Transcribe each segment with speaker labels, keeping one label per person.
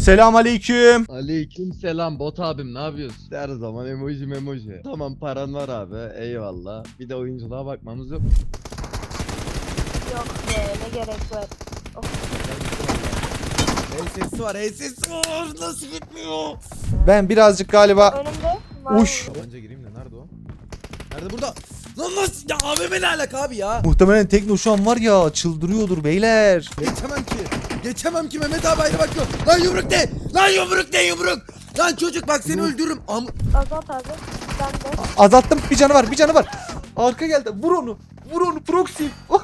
Speaker 1: Selam aleyküm.
Speaker 2: Aleyküm selam bot abim, ne yapıyorsun? Her zaman emoji. Tamam, paran var abi, eyvallah. Bir de oyunculuğa bakmamız yok.
Speaker 3: Yok be, ne gerek var. Of.
Speaker 2: Sesi var, sesi var. Nasıl gitmiyor?
Speaker 1: Ben birazcık galiba...
Speaker 3: Önümde var.
Speaker 1: Uş.
Speaker 2: Tabanca gireyim de nerede o? Nerede burada? Lan nasıl ya, AVM ne alaka abi ya?
Speaker 1: Muhtemelen Tekno şu an var ya çıldırıyordur beyler.
Speaker 2: Geçemem ki Mehmet abi ayrı bakıyor. Lan yumruk de! Lan yumruk de yumruk! Lan çocuk bak seni öldürürüm.
Speaker 3: Azat abi. Ben de.
Speaker 1: Azalttım, bir canı var. Arka geldi, vur onu proxy.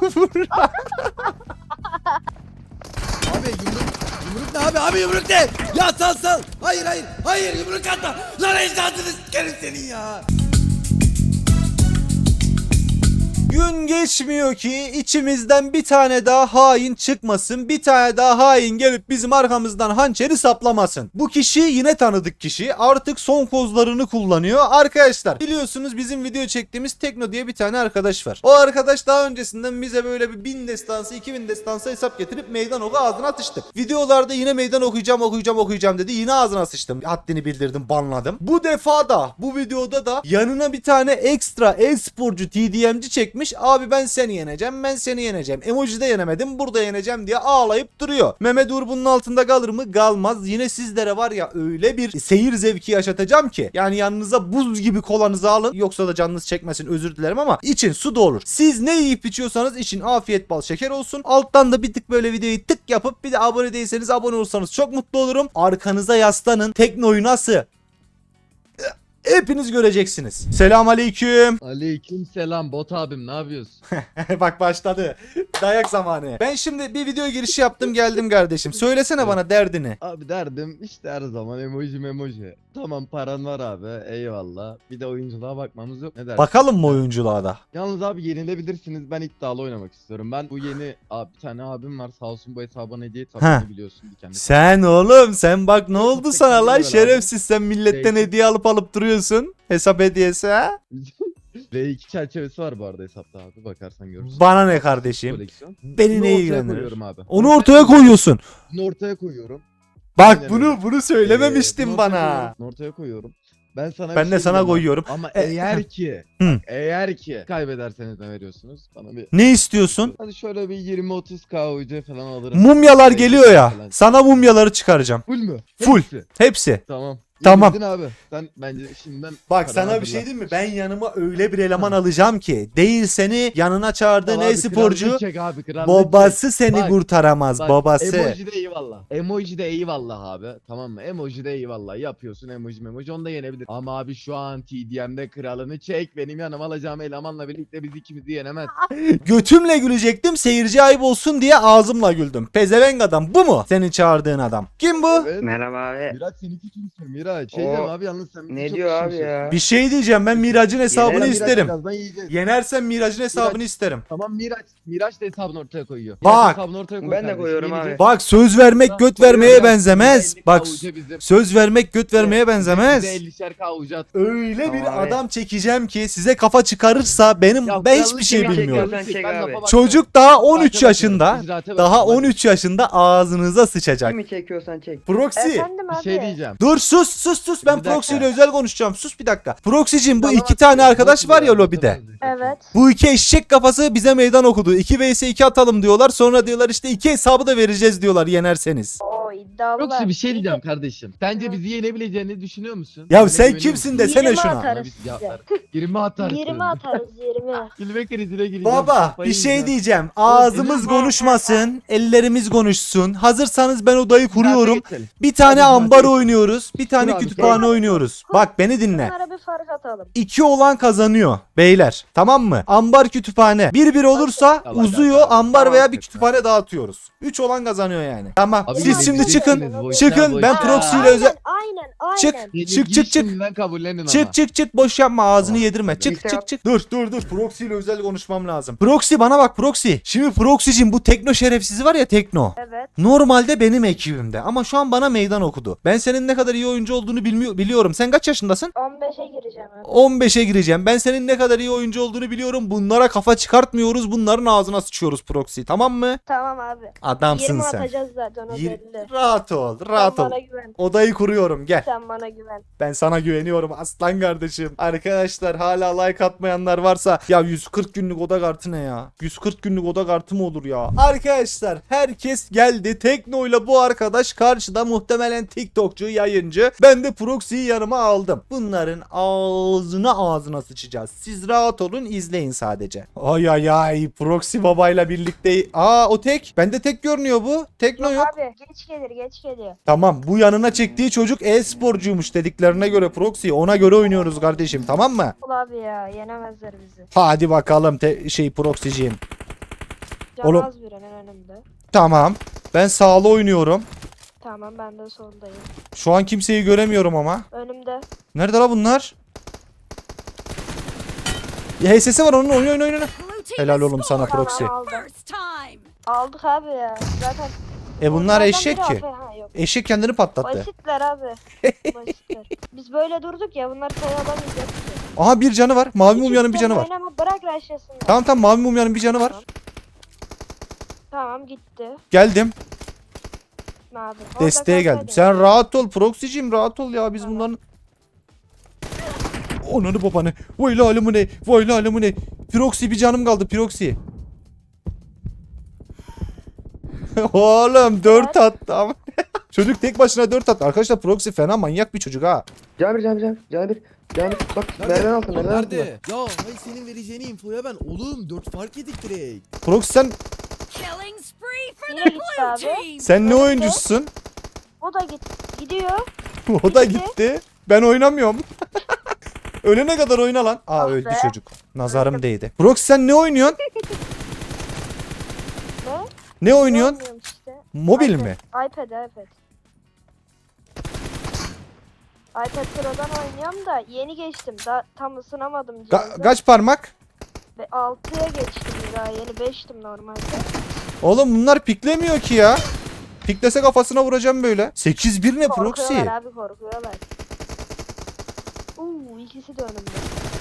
Speaker 2: Abi yumruk ne abi yumruk de! Ya sal! Hayır yumruk atma! Lan ecdadını sikerim senin ya!
Speaker 1: Gün geçmiyor ki içimizden bir tane daha hain çıkmasın. Bir tane daha hain gelip bizim arkamızdan hançeri saplamasın. Bu kişi yine tanıdık kişi. Artık son kozlarını kullanıyor. Arkadaşlar biliyorsunuz bizim video çektiğimiz Tekno diye bir tane arkadaş var. O arkadaş daha öncesinden bize böyle bir 1000 destansı 2000 destansı hesap getirip meydan oku ağzına atıştık. Videolarda yine meydan okuyacağım dedi. Yine ağzına sıçtım. Haddini bildirdim, banladım. Bu defa da bu videoda da yanına bir tane ekstra e-sporcu TDM'ci çekmiş. Abi ben seni yeneceğim. Emoji'de yenemedim, burada yeneceğim diye ağlayıp duruyor. Mehmet Uğur bunun altında kalır mı? Kalmaz. Yine sizlere var ya öyle bir seyir zevki yaşatacağım ki. Yani yanınıza buz gibi kolanızı alın. Yoksa da canınız çekmesin, özür dilerim ama için su da olur. Siz ne yiyip içiyorsanız için afiyet bal şeker olsun. Alttan da bir tık böyle videoyu tık yapıp bir de abone değilseniz abone olursanız çok mutlu olurum. Arkanıza yaslanın. Teknoyu nasıl? Hepiniz göreceksiniz. Selam aleyküm.
Speaker 2: Aleyküm selam bot abim, ne yapıyorsun?
Speaker 1: Bak başladı. Dayak zamanı. Ben şimdi bir video girişi yaptım geldim kardeşim. Söylesene bana derdini.
Speaker 2: Abi derdim işte her zaman emoji. Tamam, paran var abi, eyvallah. Bir de oyunculuğa bakmamız yok, ne dersin?
Speaker 1: Bakalım mı oyunculuğa da?
Speaker 2: Yalnız abi yenilebilirsiniz, ben iddialı oynamak istiyorum. Ben bu yeni abi, bir tane abim var sağ olsun, bu hesabına hediye tabii biliyorsun kendisi.
Speaker 1: Sen oğlum sen bak ne oldu sana lan
Speaker 2: Abi.
Speaker 1: şerefsiz, sen milletten
Speaker 2: Şey-
Speaker 1: hediye alıp duruyorsun. Hesap hediyesi ha?
Speaker 2: V2 çerçevesi var bu arada hesapta abi, bakarsan görürsün.
Speaker 1: Bana ne kardeşim?
Speaker 2: Koleksiyon.
Speaker 1: Beni
Speaker 2: Bunu
Speaker 1: ne
Speaker 2: ortaya
Speaker 1: ilgilendirir?
Speaker 2: koyuyorum abi.
Speaker 1: Onu ortaya koyuyorsun.
Speaker 2: Bunu ortaya koyuyorum.
Speaker 1: Bak
Speaker 2: Aynen
Speaker 1: bunu
Speaker 2: öyle.
Speaker 1: bunu söylememiştin
Speaker 2: Bunu
Speaker 1: bana.
Speaker 2: ortaya koyuyorum. Ben sana
Speaker 1: Ben
Speaker 2: bir
Speaker 1: de
Speaker 2: şey
Speaker 1: sana
Speaker 2: diyeyim
Speaker 1: koyuyorum.
Speaker 2: Ama
Speaker 1: E-
Speaker 2: eğer ki
Speaker 1: Hı.
Speaker 2: bak, eğer ki kaybederseniz ne veriyorsunuz? Bana bir
Speaker 1: Ne istiyorsun?
Speaker 2: hadi şöyle bir 20-30k UC falan alırım.
Speaker 1: Mumyalar
Speaker 2: Şey,
Speaker 1: geliyor ya.
Speaker 2: falan.
Speaker 1: Sana mumyaları çıkaracağım.
Speaker 2: Full mü?
Speaker 1: Full.
Speaker 2: Hepsi.
Speaker 1: Hepsi.
Speaker 2: Tamam.
Speaker 1: Tamam.
Speaker 2: Yenildin abi. Sen bence şimdiden
Speaker 1: Bak
Speaker 2: para
Speaker 1: sana bir
Speaker 2: hazırla.
Speaker 1: şey diyeyim mi? Ben yanıma öyle bir eleman alacağım ki değil seni yanına çağırdığın
Speaker 2: Tamam abi,
Speaker 1: e-sporcu
Speaker 2: krallık çek abi, krallık
Speaker 1: babası
Speaker 2: çek.
Speaker 1: seni
Speaker 2: Bak,
Speaker 1: kurtaramaz,
Speaker 2: bak,
Speaker 1: babası.
Speaker 2: Emoji'de eyvallah. Emoji'de eyvallah abi. Tamam mı? Emoji'de eyvallah. Yapıyorsun emoji onu da yenebilir. Ama abi şu an TDM'de kralını çek. Benim yanıma alacağım elemanla birlikte biz ikimizi yenemez.
Speaker 1: Götümle gülecektim, seyirci ayıp olsun diye ağzımla güldüm. Pezevenk adam bu mu? Senin çağırdığın adam. Kim bu?
Speaker 2: Evet.
Speaker 4: Merhaba abi.
Speaker 2: Miraç seninki kimsin Miraç? Şey
Speaker 4: O-
Speaker 2: deme abi, yalnız sen
Speaker 4: Ne
Speaker 2: çok
Speaker 4: diyor abi
Speaker 2: küçümsün.
Speaker 4: ya?
Speaker 1: Bir şey diyeceğim, ben Miraç'ın hesabını
Speaker 4: Yener-
Speaker 2: Miraç
Speaker 1: isterim.
Speaker 2: birazdan yiyeceğiz.
Speaker 1: Yenersen Miraç'ın hesabını isterim.
Speaker 2: Tamam Miraç da hesabını ortaya koyuyor.
Speaker 1: Bak.
Speaker 2: Miraç hesabını ortaya koy
Speaker 4: Ben de
Speaker 2: kardeşim,
Speaker 4: koyuyorum
Speaker 2: yeneceğiz.
Speaker 4: abi.
Speaker 1: Bak söz vermek göt vermeye benzemez. Bak
Speaker 2: Bizim.
Speaker 1: söz vermek göt vermeye benzemez.
Speaker 2: Bize 50'şer kavucu at.
Speaker 1: Öyle bir
Speaker 4: Tamam abi.
Speaker 1: adam çekeceğim ki size kafa çıkarırsa benim
Speaker 2: Ya
Speaker 1: ben hiçbir
Speaker 2: krallık
Speaker 1: şey
Speaker 2: çek,
Speaker 1: bilmiyorum.
Speaker 2: krallık çek,
Speaker 4: Çek
Speaker 2: ben
Speaker 4: abi.
Speaker 2: lafa bakmıyorum.
Speaker 1: Çocuk daha 13
Speaker 2: Zaten
Speaker 1: yaşında.
Speaker 2: bakıyorum, icraate
Speaker 1: Daha
Speaker 2: bakıyorum.
Speaker 1: 13 yaşında ağzınıza sıçacak.
Speaker 4: Kimi çekiyorsan çek.
Speaker 1: Proxy.
Speaker 3: Efendim
Speaker 2: Bir
Speaker 3: abi.
Speaker 2: şey diyeceğim.
Speaker 1: Dur sus ben
Speaker 2: Bir dakika.
Speaker 1: Proxy ile özel konuşacağım. Sus bir dakika. Proxy'cim bu
Speaker 2: Tamam,
Speaker 1: iki tane arkadaş var ya
Speaker 2: Proxy
Speaker 1: lobide.
Speaker 3: Evet.
Speaker 1: Bu iki eşek kafası bize meydan okudu. 2 vs 2 atalım diyorlar. Sonra diyorlar işte 2 hesabı da vereceğiz diyorlar yenerseniz.
Speaker 3: Oo, iddialılar.
Speaker 2: Yoksa bir şey diyeceğim kardeşim. Sence bizi yenebileceğini düşünüyor musun?
Speaker 1: Ya
Speaker 2: Bana
Speaker 1: sen
Speaker 2: güveniyor
Speaker 1: kimsin
Speaker 2: musun?
Speaker 1: desene
Speaker 3: 20
Speaker 1: şuna.
Speaker 3: atarız
Speaker 2: Bana bir
Speaker 3: size.
Speaker 2: cevap ver. 20 atarız.
Speaker 3: 20 atarız 20.
Speaker 2: Gülme krizine gireceğim.
Speaker 1: Baba
Speaker 2: Kafayı
Speaker 1: bir şey
Speaker 2: yiyeceğim.
Speaker 1: diyeceğim. Ağzımız konuşmasın. Ellerimiz konuşsun. Hazırsanız ben odayı kuruyorum.
Speaker 2: Geçelim.
Speaker 1: Bir tane
Speaker 2: Hadi
Speaker 1: ambar
Speaker 2: geçelim.
Speaker 1: oynuyoruz. Bir tane
Speaker 2: Kur abi,
Speaker 1: kütüphane
Speaker 3: kur.
Speaker 1: oynuyoruz. Bak beni dinle.
Speaker 3: Bunlara bir fark atalım.
Speaker 1: 2 olan kazanıyor beyler. Tamam mı? Ambar kütüphane. 1-1 olursa
Speaker 2: Tamam,
Speaker 1: uzuyor.
Speaker 2: tamam.
Speaker 1: Ambar
Speaker 4: Tamam.
Speaker 1: veya bir kütüphane dağıtıyoruz. 3 olan kazanıyor yani. Tamam.
Speaker 2: Abi
Speaker 1: Siz
Speaker 3: biz
Speaker 1: şimdi
Speaker 3: yeneceksiniz,
Speaker 1: çıkın.
Speaker 2: boşuna,
Speaker 1: Çıkın. Ben
Speaker 2: boşuna.
Speaker 1: proxy ile özel...
Speaker 3: Aynen Aynen.
Speaker 1: Çık.
Speaker 2: Beni
Speaker 1: Çık,
Speaker 2: git
Speaker 1: çık, çık.
Speaker 2: şimdiden kabullenin ama.
Speaker 1: Çık boş yapma ağzını yedirme. Çık
Speaker 4: İşte
Speaker 1: çık çık. Dur Proxy ile özel konuşmam lazım. Proxy bana bak Proxy. Şimdi Proxy'cim bu Tekno şerefsizi var ya Tekno.
Speaker 3: Evet.
Speaker 1: Normalde benim ekibimde ama şu an bana meydan okudu. Ben senin ne kadar iyi oyuncu olduğunu biliyorum. Sen kaç yaşındasın?
Speaker 3: 15'e gireceğim abi.
Speaker 1: 15'e gireceğim. Ben senin ne kadar iyi oyuncu olduğunu biliyorum. Bunlara kafa çıkartmıyoruz. Bunların ağzına sıçıyoruz Proxy. Tamam mı?
Speaker 3: Tamam abi.
Speaker 1: Adamsın
Speaker 3: 20
Speaker 1: sen.
Speaker 3: atacağız zaten o belli.
Speaker 1: Rahat ol. Rahat
Speaker 3: Sen
Speaker 1: ol.
Speaker 3: bana güven.
Speaker 1: Odayı kuruyorum. Gel.
Speaker 3: Sen bana güven.
Speaker 1: Ben sana güveniyorum aslan kardeşim. Arkadaşlar hala like atmayanlar varsa ya 140 günlük oda kartı ne ya? 140 günlük oda kartı mı olur ya? Arkadaşlar herkes geldi. Tekno'yla bu arkadaş karşıda muhtemelen TikTokçu, yayıncı. Ben de Proxy'yi yanıma aldım. Bunların ağzına sıçacağız. Siz rahat olun izleyin sadece. Ay Proxy babayla birlikte. O tek. Bende tek görünüyor bu. Tekno yok.
Speaker 3: Abi geç geliyor.
Speaker 1: Tamam bu yanına çektiği çocuk e-sporcuymuş dediklerine göre Proxy ona göre oynuyoruz kardeşim tamam mı?
Speaker 3: Ul abi ya yenemezler bizi.
Speaker 1: Hadi bakalım Proxy'ciğim. Oğlum.
Speaker 3: Can az birinin önümde.
Speaker 1: Tamam ben sağlı oynuyorum.
Speaker 3: Tamam ben de soldayım.
Speaker 1: Şu an kimseyi göremiyorum ama.
Speaker 3: Önümde.
Speaker 1: Nerede la bunlar? HS'si var onun oyna. Helal oğlum sana Proxy.
Speaker 3: Tamam aldım. Aldık abi ya. Zaten
Speaker 1: Bunlar
Speaker 3: onlardan
Speaker 1: eşek
Speaker 3: biri
Speaker 1: ki.
Speaker 3: AP. Ha, yok.
Speaker 1: Eşek kendini patlattı.
Speaker 3: Basitler abi. Basitler. Biz böyle durduk ya bunlar sayı alamayacak ki.
Speaker 1: Aha bir canı var. Mavi
Speaker 3: Hiç
Speaker 1: mumyanın bir canı var.
Speaker 3: oynama, bırak rushlasınlar.
Speaker 1: Tamam mavi mumyanın bir canı var.
Speaker 3: Tamam gitti.
Speaker 1: Geldim.
Speaker 3: Abi.
Speaker 1: Desteğe geldim. Sen rahat ol Proxy'cim rahat ol ya biz
Speaker 3: Tamam.
Speaker 1: bunların... Onanı babanı. Vay lalımı ne. Proxy bir canım kaldı Proxy. Oğlum 4 attı ama. Çocuk tek başına 4 attı. Arkadaşlar Proxy fena manyak bir çocuk ha.
Speaker 4: Can bir. Bak merdiven altında merdiven altında.
Speaker 2: Nerede? Ya hay senin vereceğin infoya ben oğlum 4 fark yedik direkt.
Speaker 1: Proxy
Speaker 3: Yine gitti abi.
Speaker 1: sen ne
Speaker 3: Evet.
Speaker 1: oyuncusun?
Speaker 3: O da gidiyor.
Speaker 1: O da
Speaker 3: Gitti.
Speaker 1: gitti. Ben oynamıyorum. Ölene kadar oyna lan.
Speaker 3: Ah
Speaker 1: Öldü
Speaker 3: be.
Speaker 1: çocuk. Nazarım değdi. Proxy sen ne oynuyorsun?
Speaker 3: Ne?
Speaker 1: Ne oynuyorsun?
Speaker 3: Oynuyorum işte.
Speaker 1: Mobil
Speaker 3: iPad.
Speaker 1: mi?
Speaker 3: iPad. iPad Pro'dan oynuyorum da yeni geçtim. Daha tam ısınamadım cihazı.
Speaker 1: Kaç parmak?
Speaker 3: Ve 6'ya geçtim daha yeni 5'tim normalde.
Speaker 1: Oğlum bunlar piklemiyor ki ya. Piklese kafasına vuracağım böyle. 8-1 ne Proxy?
Speaker 3: Korkuyorlar abi korkuyorlar. İkisi de önümde.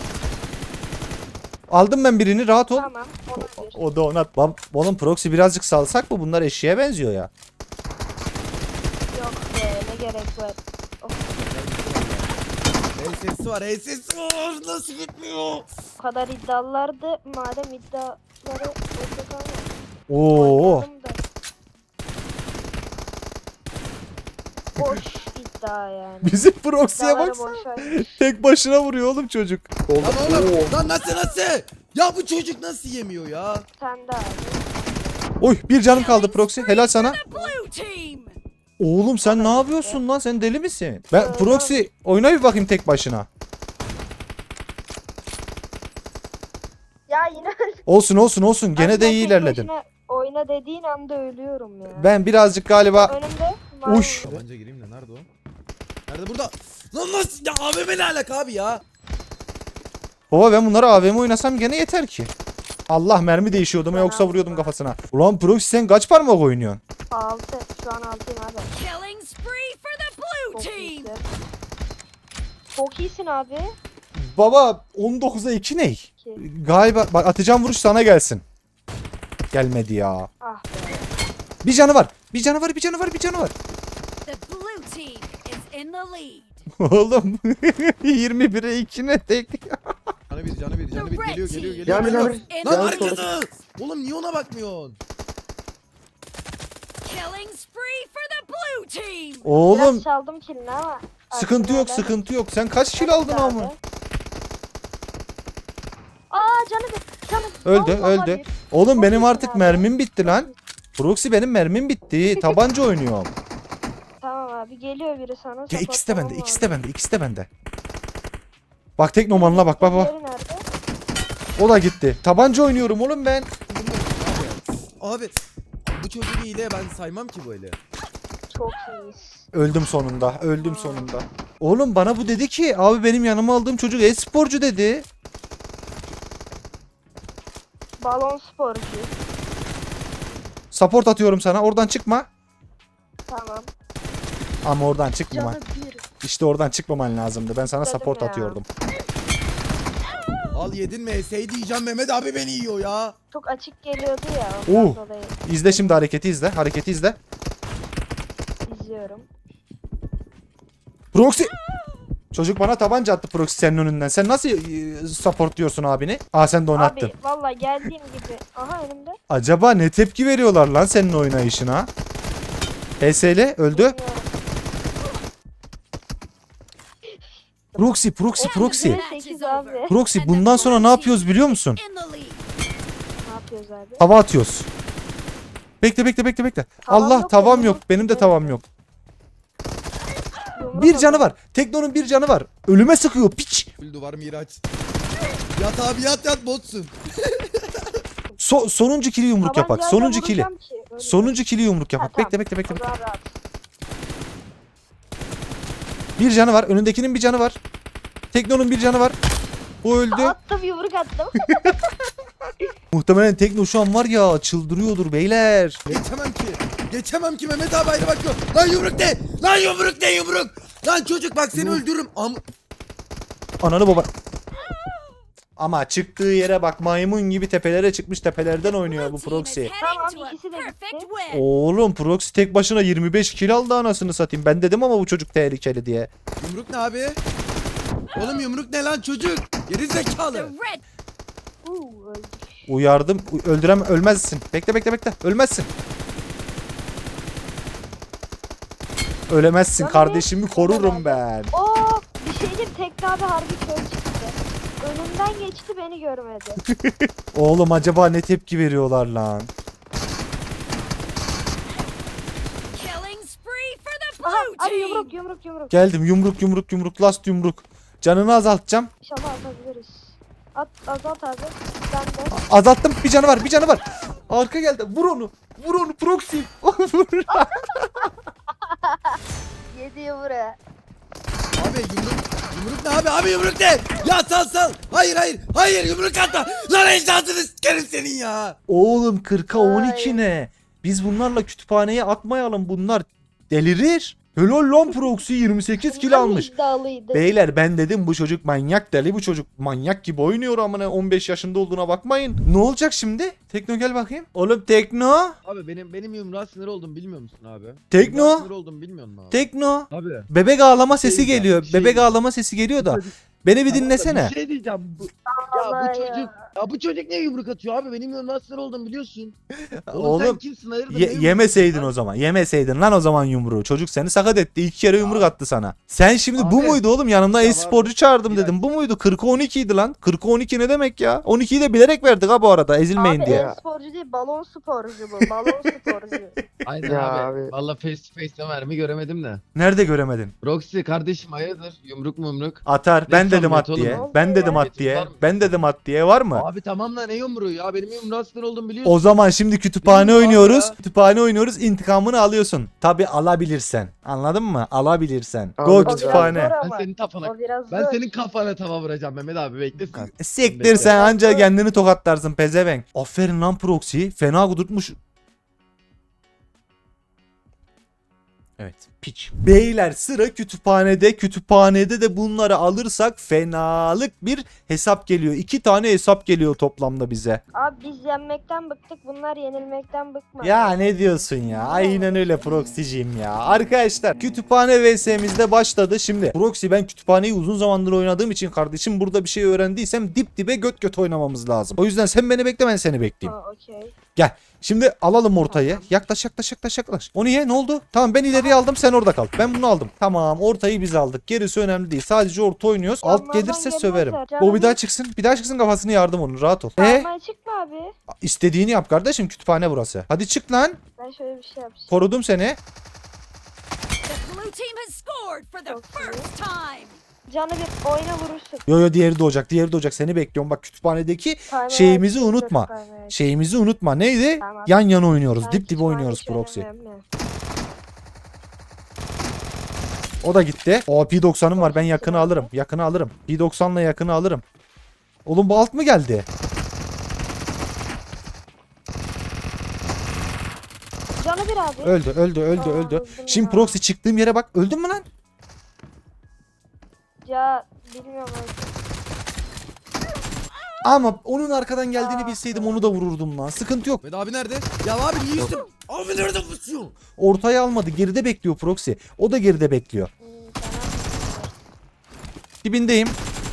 Speaker 1: Aldım ben birini rahat ol.
Speaker 3: Tamam. Ona bir.
Speaker 1: O da ona. Oğlum Proxy birazcık salsak mı? Bunlar eşeğe benziyor ya.
Speaker 3: Yok be ne gerek var. Of,
Speaker 2: HS'si var nasıl gitmiyor?
Speaker 3: o kadar iddialılardı. Madem iddiaları orada kalmadı.
Speaker 1: Oo.
Speaker 3: Oynayalım da. Boş iddia yani.
Speaker 1: Bizim Proxy'ye
Speaker 3: İddiaları
Speaker 1: baksana.
Speaker 3: boş ver.
Speaker 1: Tek başına vuruyor oğlum çocuk.
Speaker 2: Lan oğlum lan nasıl? Ya bu çocuk nasıl yemiyor ya?
Speaker 3: Sen de abi.
Speaker 1: Oy bir canım kaldı Proxy. Helal sana. Oğlum sen ne yapıyorsun lan? Sen deli misin? Ben Proxy oyna bir bakayım tek başına.
Speaker 3: Ya yine
Speaker 1: Olsun. Gene
Speaker 3: Abi
Speaker 1: de
Speaker 3: ben
Speaker 1: iyi
Speaker 3: tek
Speaker 1: ilerledin.
Speaker 3: başına Oyna dediğin anda ölüyorum ya.
Speaker 1: Ben birazcık galiba...
Speaker 3: Önümde.
Speaker 1: Uş.
Speaker 2: Tabanca gireyim de nerede o? Nerede burada? Lan nasıl ya AVM ne alaka abi ya?
Speaker 1: Baba ben bunları AVM oynasam gene yeter ki. Allah mermi değişiyordum
Speaker 3: Ben
Speaker 1: yoksa
Speaker 3: aldım
Speaker 1: vuruyordum
Speaker 3: abi.
Speaker 1: kafasına. Ulan Proxy sen kaç parmak oynuyorsun?
Speaker 3: 6. Şu an 6'yım abi. Çok iyisin. Çok iyisin abi.
Speaker 1: Baba 19'a 2 ne?
Speaker 3: Ki.
Speaker 1: Galiba bak atacağım vuruş sana gelsin. Gelmedi ya.
Speaker 3: Ah be.
Speaker 1: Bir canı var. Bir canı var. Oğlum 21'e 2 ne tek?
Speaker 2: Canı bir geliyor.
Speaker 4: Can bir.
Speaker 2: Lan
Speaker 4: Can
Speaker 2: arkada. Oğlum niye ona bakmıyorsun?
Speaker 1: Oğlum
Speaker 3: Biraz çaldım kilini ama.
Speaker 1: sıkıntı yok. Sen kaç kill aldın
Speaker 3: Abi.
Speaker 1: ama?
Speaker 3: Canı.
Speaker 1: Öldü.
Speaker 3: Vallahi bir.
Speaker 1: Oğlum
Speaker 3: Çok
Speaker 1: benim
Speaker 3: iyisin
Speaker 1: artık
Speaker 3: abi.
Speaker 1: mermim bitti lan. Proxy benim mermim bitti. Tabanca oynuyorum.
Speaker 3: Tamam abi geliyor biri sana.
Speaker 1: Ya ikisi de bende,
Speaker 3: sapatlamam
Speaker 1: ikisi de bende. Bak teknomanla bak.
Speaker 3: lazım. Diğeri nerede?
Speaker 1: O da gitti. Tabanca oynuyorum oğlum ben.
Speaker 2: Abi bu çocuğu hile ben saymam ki böyle.
Speaker 3: Çok iyiyiz.
Speaker 1: Öldüm sonunda. Öldüm sonunda. Oğlum bana bu dedi ki abi benim yanıma aldığım çocuk e-sporcu dedi.
Speaker 3: Balon sporcu.
Speaker 1: Support atıyorum sana. Oradan çıkma.
Speaker 3: Tamam.
Speaker 1: Ama oradan çıkma.
Speaker 3: Canı bir.
Speaker 1: İşte oradan çıkmaman lazımdı. Ben sana
Speaker 3: Dedim
Speaker 1: support
Speaker 3: ya.
Speaker 1: atıyordum.
Speaker 5: Al yedin mi? Diyeceğim Mehmet abi beni yiyor ya.
Speaker 3: Çok açık geliyordu ya. Ondan dolayı
Speaker 1: İzle şimdi hareketi izle. Hareketi izle.
Speaker 3: izliyorum.
Speaker 1: Proxy. Çocuk bana tabanca attı Proxy senin önünden. Sen nasıl support diyorsun abini? Aa sen de oynattın.
Speaker 3: Abi valla geldiğim gibi. Aha önümde.
Speaker 1: Acaba ne tepki veriyorlar lan senin oynayışına? HSL öldü.
Speaker 3: Bilmiyorum.
Speaker 1: Proxy.
Speaker 3: Sekiz abi.
Speaker 1: Proxy bundan sonra ne yapıyoruz biliyor musun?
Speaker 3: Ne yapıyoruz abi?
Speaker 1: Hava atıyoruz. Bekle.
Speaker 3: Tavam
Speaker 1: Allah
Speaker 3: yok
Speaker 1: tavam
Speaker 3: benim.
Speaker 1: yok. Benim de tavam yok.
Speaker 3: Yumruk
Speaker 1: Bir canı
Speaker 3: atıyor.
Speaker 1: var. Tekno'nun bir canı var. Ölüme sıkıyor piç.
Speaker 5: Öldü var Miraç. Yat abi yat botsun.
Speaker 1: Sonuncu kili yumruk yapak.
Speaker 3: Tabancayla
Speaker 1: Sonuncu kili.
Speaker 3: vuracağım ki, öyle.
Speaker 1: Sonuncu kili yumruk yapak.
Speaker 3: Ha, tamam.
Speaker 1: Bekle.
Speaker 3: O zaman rahat.
Speaker 1: Bir canı var. Önündekinin bir canı var. Tekno'nun bir canı var. O öldü.
Speaker 3: Attım yumruk attım.
Speaker 1: Muhtemelen Tekno şu an var ya çıldırıyordur beyler.
Speaker 5: Geçemem ki Mehmet abi ayrı bakıyor. Lan yumruk de. Lan yumruk. Lan çocuk bak seni öldürürüm.
Speaker 1: Ananı baba. Ama çıktığı yere bak maymun gibi tepelere çıkmış tepelerden oynuyor bu Proxy.
Speaker 3: Tamam ikisi de gitti.
Speaker 1: Oğlum Proxy tek başına 25 kill aldı anasını satayım. Ben dedim ama bu çocuk tehlikeli diye.
Speaker 5: Yumruk ne abi? Oğlum yumruk ne lan çocuk? Geri zekalı.
Speaker 3: Öldük.
Speaker 1: Uyardım. Ölmezsin. Bekle. Ölmezsin. Ölemezsin.
Speaker 3: Canım
Speaker 1: Kardeşimi
Speaker 3: benim.
Speaker 1: korurum ben.
Speaker 3: Oo bir şey diyeyim Tekne abi harbi kör çıktı. Önümden geçti beni görmedi.
Speaker 1: Oğlum acaba ne tepki veriyorlar lan?
Speaker 3: Aha abi yumruk.
Speaker 1: Geldim yumruk last yumruk. Canını azaltacağım.
Speaker 3: İnşallah atabiliriz. Azalt abi. Ben de.
Speaker 1: Azalttım. Bir canı var. Arka geldi. Vur onu Proxy.
Speaker 3: Yedi yumruğu.
Speaker 5: Abi yumruk ne abi? Abi yumruk ne? Ya sal. Hayır yumruk atma. Lan ecdadını sikerim senin ya.
Speaker 1: Oğlum 40'a 12
Speaker 3: Ay.
Speaker 1: ne? Biz bunlarla kütüphaneye atmayalım. Bunlar delirir. Helal lan Proxy 28 kill
Speaker 3: Bunlar
Speaker 1: almış.
Speaker 3: iddialıydı.
Speaker 1: Beyler ben dedim bu çocuk manyak deli, bu çocuk manyak gibi oynuyor amına 15 yaşında olduğuna bakmayın. Ne olacak şimdi? Tekno gel bakayım. Oğlum Tekno.
Speaker 2: Abi benim yumruğa sinir oldum bilmiyor musun abi?
Speaker 1: Tekno.
Speaker 2: Yumruğa sinir oldum bilmiyor musun abi?
Speaker 1: Tekno.
Speaker 2: Abi.
Speaker 1: Bebek ağlama sesi
Speaker 2: Şey ya,
Speaker 1: geliyor.
Speaker 2: şey
Speaker 1: Bebek
Speaker 2: ya.
Speaker 1: ağlama sesi geliyor da. Beni bir
Speaker 2: Tamam da
Speaker 1: dinlesene.
Speaker 2: Bir şey diyeceğim.
Speaker 3: Allah
Speaker 2: Bu çocuk. Ya bu çocuk niye yumruk atıyor abi? Benim yumruğa sinir oldum biliyorsun. Oğlum sen
Speaker 1: Oğlum
Speaker 2: kimsin hayırdır? Ne yumruk
Speaker 1: yemeseydin
Speaker 2: atıyorsun
Speaker 1: o zaman. Yemeseydin lan o zaman yumruğu. Çocuk seni sakat etti. 2 kere yumruk attı sana. Sen şimdi bu
Speaker 2: Abi.
Speaker 1: muydu oğlum? Yanımda
Speaker 2: Ya
Speaker 1: e-sporcu çağırdım
Speaker 2: Bir
Speaker 1: dedim. Bu muydu? 40'a 12 idi lan. 40'a 12 ne demek ya? 12'yi de bilerek verdik ha bu arada. Ezilmeyin
Speaker 3: Abi
Speaker 1: diye.
Speaker 3: e-sporcu değil balon sporcu bu. Balon sporcu.
Speaker 2: Aynen
Speaker 4: Ya
Speaker 2: abi.
Speaker 4: abi.
Speaker 2: Valla face to face'ten mermi göremedim de.
Speaker 1: Nerede göremedin?
Speaker 2: Roxy kardeşim hayırdır? Yumruk.
Speaker 1: Atar. Ben
Speaker 2: Ne
Speaker 1: dedim
Speaker 2: samimiyet
Speaker 1: at
Speaker 2: oğlum
Speaker 1: diye.
Speaker 3: bu?
Speaker 1: Ben dedim at
Speaker 2: Samimiyetiniz
Speaker 1: diye.
Speaker 2: var mı?
Speaker 1: Ben dedim at diye. Var mı?
Speaker 2: Abi tamam da ne yumruğu ya? Benim yumruğa sinir oldum biliyorsun.
Speaker 1: O zaman şimdi kütüphane
Speaker 2: Bilmiyorum abi
Speaker 1: oynuyoruz.
Speaker 2: ya.
Speaker 1: Kütüphane oynuyoruz. İntikamını alıyorsun. Tabi alabilirsen. Anladın mı? Alabilirsen. Go
Speaker 4: Anladım.
Speaker 1: kütüphane.
Speaker 3: Zor
Speaker 2: Ben
Speaker 3: ama.
Speaker 2: senin kafana.
Speaker 3: O biraz
Speaker 2: Ben
Speaker 3: zor.
Speaker 2: senin kafana tava vuracağım Mehmet abi bekle sen.
Speaker 1: Siktir sen anca kendini tokatlarsın pezevenk. Aferin lan Proxy. Fena kudurtmuş. Evet. Piç. Beyler sıra kütüphanede. Kütüphanede de bunları alırsak fenalık bir hesap geliyor. 2 tane hesap geliyor toplamda bize.
Speaker 3: Abi biz yenmekten bıktık. Bunlar yenilmekten bıkmadı.
Speaker 1: Ya ne diyorsun ya? Aynen öyle Proxy'cim ya. Arkadaşlar kütüphane vs'mizde başladı. Şimdi Proxy ben kütüphaneyi uzun zamandır oynadığım için kardeşim burada bir şey öğrendiysem dip dibe göt göt oynamamız lazım. O yüzden sen beni bekle ben seni bekleyeyim.
Speaker 3: Ha okey.
Speaker 1: Gel. Şimdi alalım ortayı. Yaklaş. O niye? Ne oldu? Tamam ben ileriye aldım sen orada kal. Ben bunu aldım. Tamam ortayı biz aldık. Gerisi önemli değil. Sadece orta oynuyoruz. Alt
Speaker 3: Onlardan
Speaker 1: gelirse
Speaker 3: gelmezler.
Speaker 1: söverim.
Speaker 3: Canım.
Speaker 1: O bir daha çıksın. Bir daha çıksın kafasını yardım onun. Rahat ol.
Speaker 3: Parmağı çıkma abi.
Speaker 1: İstediğini yap kardeşim. Kütüphane burası. Hadi çık lan.
Speaker 3: Ben şöyle bir şey yapacağım.
Speaker 1: Korudum seni.
Speaker 3: Çok iyi. Canı bir oyna vurursun.
Speaker 1: Yo diğeri doğacak. Seni bekliyorum. Bak kütüphanedeki
Speaker 3: Parmağı
Speaker 1: şeyimizi
Speaker 3: çıktı,
Speaker 1: unutma.
Speaker 3: parmağı.
Speaker 1: Şeyimizi unutma. Neydi?
Speaker 3: Tamam.
Speaker 1: Yan yana oynuyoruz.
Speaker 3: Ben
Speaker 1: Dip dip
Speaker 3: kütüphane
Speaker 1: oynuyoruz
Speaker 3: hiç
Speaker 1: Proxy.
Speaker 3: önemli.
Speaker 1: O da gitti. O P90'ım var. Ben yakını alırım. Yakını alırım. P90'la yakını alırım. Oğlum bu alt mı geldi?
Speaker 3: Canı bir abi.
Speaker 1: Öldü, öldü, öldü,
Speaker 3: Aa,
Speaker 1: öldü.
Speaker 3: öldüm
Speaker 1: Şimdi
Speaker 3: ya.
Speaker 1: proxy çıktığım yere bak. Öldün mü lan?
Speaker 3: Ya bilmiyorum abi.
Speaker 1: Ama onun arkadan geldiğini
Speaker 3: Aa.
Speaker 1: bilseydim onu da vururdum lan. Sıkıntı yok.
Speaker 5: Mehmet abi nerede? Ya abi niye üstüm? Abi nerede pusuyorsun?
Speaker 1: Ortaya almadı. Geride bekliyor proxy. O da geride bekliyor.
Speaker 3: Fena.
Speaker 1: Dibindeyim.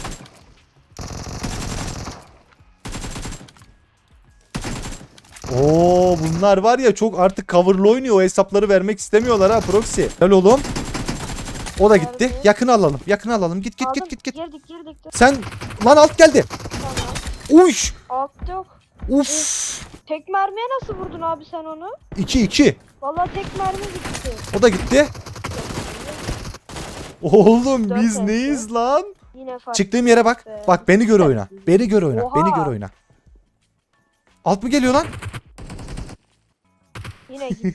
Speaker 1: Oo bunlar var ya çok artık coverlı oynuyor. O hesapları vermek istemiyorlar ha proxy. Gel oğlum. O da gitti.
Speaker 3: Nerede?
Speaker 1: Yakın alalım. Yakın alalım. Git git
Speaker 3: Aldım.
Speaker 1: git git.
Speaker 3: Girdik.
Speaker 1: Sen lan alt geldi.
Speaker 3: Tamam.
Speaker 1: Uş.
Speaker 3: Altta yok.
Speaker 1: Uf.
Speaker 3: Tek mermiye nasıl vurdun abi sen onu?
Speaker 1: 2-2.
Speaker 3: Vallahi tek mermi gitti.
Speaker 1: O da gitti. Oğlum
Speaker 3: Dört
Speaker 1: biz
Speaker 3: oldu.
Speaker 1: neyiz lan?
Speaker 3: Yine fark.
Speaker 1: Çıktığım yere bak.
Speaker 3: be.
Speaker 1: Bak beni gör oyna. Beni gör oyna.
Speaker 3: Oha.
Speaker 1: Beni gör oyna. Alt mı geliyor lan?
Speaker 3: Yine gitti.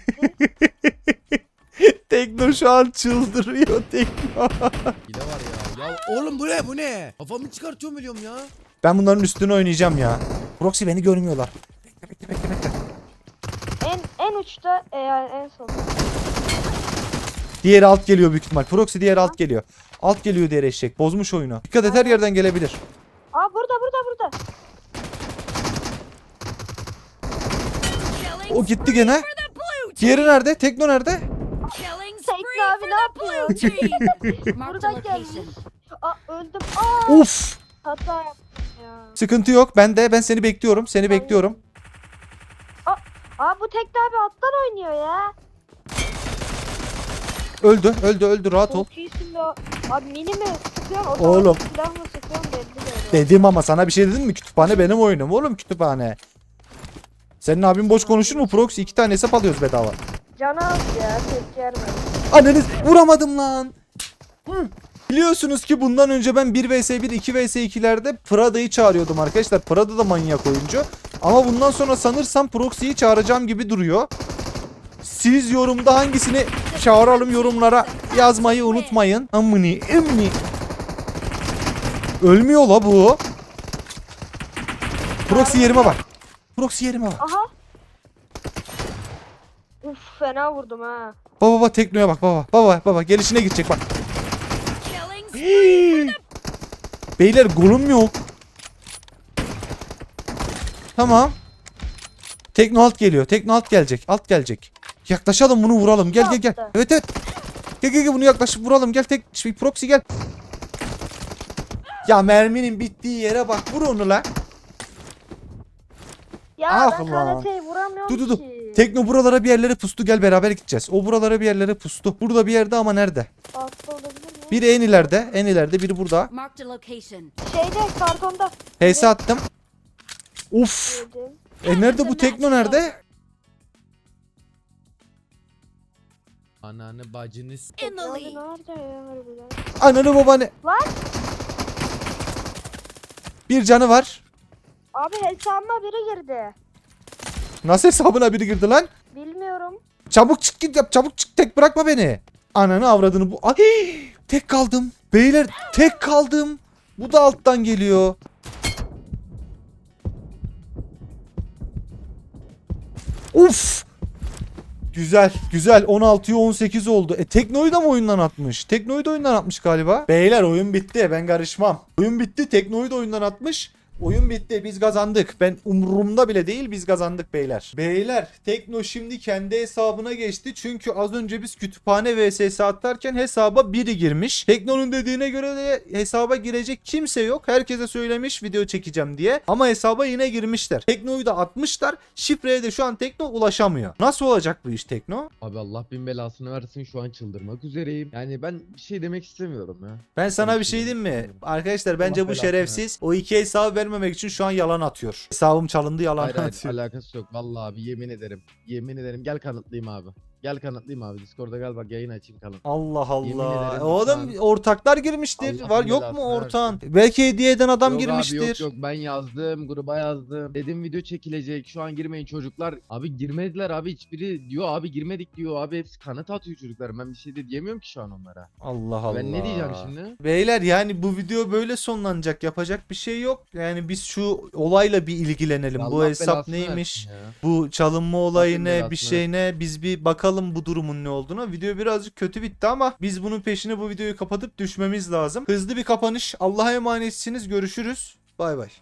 Speaker 1: Tekno şu an çıldırıyor Tekno.
Speaker 5: Hile var ya. Ya oğlum bu ne bu ne? Kafamı çıkartıyorum biliyorum ya.
Speaker 1: Ben bunların üstüne oynayacağım ya. Proxy beni görmüyorlar. Bekle.
Speaker 3: en uçta en son.
Speaker 1: Diğeri alt geliyor büyük ihtimal. Proxy diğeri alt geliyor. Alt geliyor diğer eşek. Bozmuş oyunu. Dikkat et her yerden gelebilir.
Speaker 3: Aa burada.
Speaker 1: O gitti gene. Diğeri nerede? Tekno nerede?
Speaker 3: Tekno abi ne yapıyor? Buradan gelmiş. Aa öldüm. Aa
Speaker 1: Uf.
Speaker 3: hata yaptım ya.
Speaker 1: Sıkıntı yok. Ben seni bekliyorum. Seni bekliyorum.
Speaker 3: Aa bu Tekno abi alttan oynuyor ya.
Speaker 1: Öldü. Rahat ol.
Speaker 3: Çok iyisin be. Abi mini mi sıkıyorsun?
Speaker 1: Oğlum.
Speaker 3: Silah mı sıkıyorsun belli değil.
Speaker 1: Dedim ama sana bir şey dedim mi? Kütüphane benim oyunum oğlum kütüphane. Senin abin boş konuşur mu? Proxy 2 tane hesap alıyoruz bedava.
Speaker 3: Canı az ya tek gelmedi.
Speaker 1: Anneniz vuramadım lan. Hı. Biliyorsunuz ki bundan önce ben 1 vs 1, 2 vs 2'lerde Prada'yı çağırıyordum arkadaşlar. Prada da manyak oyuncu. Ama bundan sonra sanırsam Proxy'yi çağıracağım gibi duruyor. Siz yorumda hangisini çağıralım yorumlara yazmayı unutmayın. Amını emmi. Ölmüyor la bu. Proxy yerime bak. Proxy yerime bak.
Speaker 3: Aha. Uf fena vurdum ha.
Speaker 1: Baba Tekno'ya bak baba gelişine gidecek bak. Beyler golüm yok. Tamam. Tekno alt geliyor. Tekno alt gelecek. Alt gelecek. Yaklaşalım bunu vuralım. Gel. Evet. Gel bunu yaklaşıp vuralım. Gel proxy gel. Ya merminin bittiği yere bak. Vur onu la.
Speaker 3: Ya
Speaker 1: Ah
Speaker 3: ben
Speaker 1: lan.
Speaker 3: KNT'yi vuramıyorum
Speaker 1: Dur.
Speaker 3: ki.
Speaker 1: Tekno buralara bir yerlere pustu. Gel beraber gideceğiz. O buralara bir yerlere pustu. Burada bir yerde ama nerede?
Speaker 3: Altta olabilir mi?
Speaker 1: Biri en ileride, biri burada.
Speaker 6: Marked a location.
Speaker 3: Şeyde kartonda.
Speaker 1: HS attım. Uf.
Speaker 3: Yedim.
Speaker 1: Nerede bu Tekno nerede?
Speaker 5: Ananı bacınız.
Speaker 6: In the
Speaker 3: Abi
Speaker 6: lead.
Speaker 3: nerede ya harbiden?
Speaker 1: Ananı babanı.
Speaker 3: Lan
Speaker 1: Bir canı var.
Speaker 3: abi hesabıma biri girdi.
Speaker 1: Nasıl hesabına biri girdi lan?
Speaker 3: Bilmiyorum.
Speaker 1: Çabuk çık git yap. Çabuk çık. Tek bırakma beni. Ananı avradını bu. Ay, tek kaldım. Beyler tek kaldım. Bu da alttan geliyor. Uf. Güzel. 16'ya 18 oldu. Tekno'yu da mı oyundan atmış? Tekno'yu da oyundan atmış galiba. Beyler oyun bitti. Ben karışmam. Oyun bitti. Tekno'yu da oyundan atmış. Oyun bitti. Biz kazandık. Ben umurumda bile değil. Biz kazandık beyler. Beyler Tekno şimdi kendi hesabına geçti. Çünkü az önce biz kütüphane vs atarken hesaba biri girmiş. Tekno'nun dediğine göre de hesaba girecek kimse yok. Herkese söylemiş video çekeceğim diye. Ama hesaba yine girmişler. Tekno'yu da atmışlar. Şifreye de şu an Tekno ulaşamıyor. Nasıl olacak bu iş Tekno?
Speaker 2: Abi Allah bin belasını versin şu an çıldırmak üzereyim. Yani ben bir şey demek istemiyorum ya.
Speaker 1: Ben sana bir şey diyeyim mi? Arkadaşlar bence
Speaker 2: Allah
Speaker 1: bu
Speaker 2: belasını
Speaker 1: şerefsiz o iki hesabı vermemek için şu an yalan atıyor. Hesabım çalındı yalan
Speaker 2: Hayır
Speaker 1: atıyor.
Speaker 2: alakası yok. Vallahi abi yemin ederim. Yemin ederim gel kanıtlayayım abi. Gel kanıtlayayım abi. Discord'da gel bak yayın açayım kanıt.
Speaker 1: Allah
Speaker 2: Yemin
Speaker 1: Allah.
Speaker 2: ederim
Speaker 1: O adam
Speaker 2: şu an-
Speaker 1: ortaklar girmiştir.
Speaker 2: Allah'ın
Speaker 1: Var yok mu
Speaker 2: belasını
Speaker 1: ortağın? Belki hediye eden adam
Speaker 2: Yok
Speaker 1: girmiştir.
Speaker 2: Abi, yok ben yazdım gruba yazdım. Dedim video çekilecek şu an girmeyin çocuklar. Abi girmediler abi hiçbiri diyor abi girmedik diyor abi hepsi kanıt atıyor çocuklar. Ben bir şey de diyemiyorum ki şu an onlara.
Speaker 1: Allah Allah.
Speaker 2: Ben ne diyeceğim şimdi?
Speaker 1: Beyler yani bu video böyle sonlanacak. Yapacak bir şey yok. Yani biz şu olayla bir ilgilenelim. Bu
Speaker 2: Allah
Speaker 1: hesap
Speaker 2: belasını
Speaker 1: neymiş?
Speaker 2: versin ya.
Speaker 1: Bu çalınma olayı
Speaker 2: Allah'ın
Speaker 1: ne?
Speaker 2: belasını
Speaker 1: Bir şey ne? Biz bir bakalım bu durumun ne olduğunu. Video birazcık kötü bitti ama biz bunun peşine bu videoyu kapatıp düşmemiz lazım. Hızlı bir kapanış. Allah'a emanetsiniz. Görüşürüz. Bay bay.